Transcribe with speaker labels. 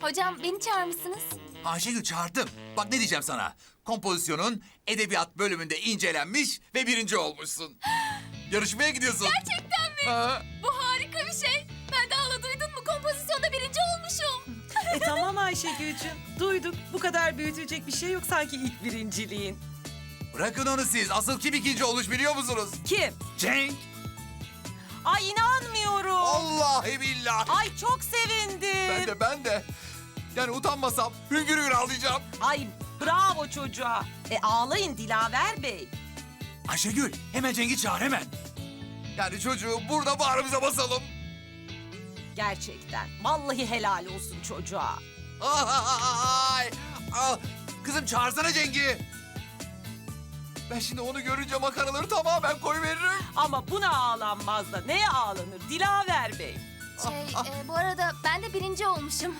Speaker 1: Hocam beni çağırmışsınız.
Speaker 2: Ayşegül çağırdım. Bak ne diyeceğim sana. Kompozisyonun edebiyat bölümünde incelenmiş ve birinci olmuşsun. Yarışmaya gidiyorsun.
Speaker 1: Gerçekten mi?
Speaker 2: Ha.
Speaker 1: Bu harika bir şey. Ben de hala duydun mu? Kompozisyonda birinci olmuşum.
Speaker 3: Tamam Ayşegül'cüm. Duyduk. Bu kadar büyütecek bir şey yok sanki ilk birinciliğin.
Speaker 2: Bırakın onu siz. Asıl kim ikinci olmuş biliyor musunuz?
Speaker 3: Kim?
Speaker 2: Cenk.
Speaker 3: Ay inanmıyorum.
Speaker 2: Vallahi billahi.
Speaker 3: Ay çok sevindim.
Speaker 2: Ben de. Yani utanmasam hüngür hüngür ağlayacağım.
Speaker 3: Ay bravo çocuğa. Ağlayın Dilaver Bey.
Speaker 2: Ayşegül hemen Cenk'i çağır hemen. Yani çocuğu burada bağrımıza basalım.
Speaker 3: Gerçekten. Vallahi helal olsun çocuğa.
Speaker 2: Ay. Ah, kızım çağırsana Cenk'i. Ben şimdi onu görünce makaraları tamamen koyuveririm.
Speaker 3: Ama buna ağlanmaz da neye ağlanır Dilaver Bey?
Speaker 1: Bu arada ben de birinci olmuşum.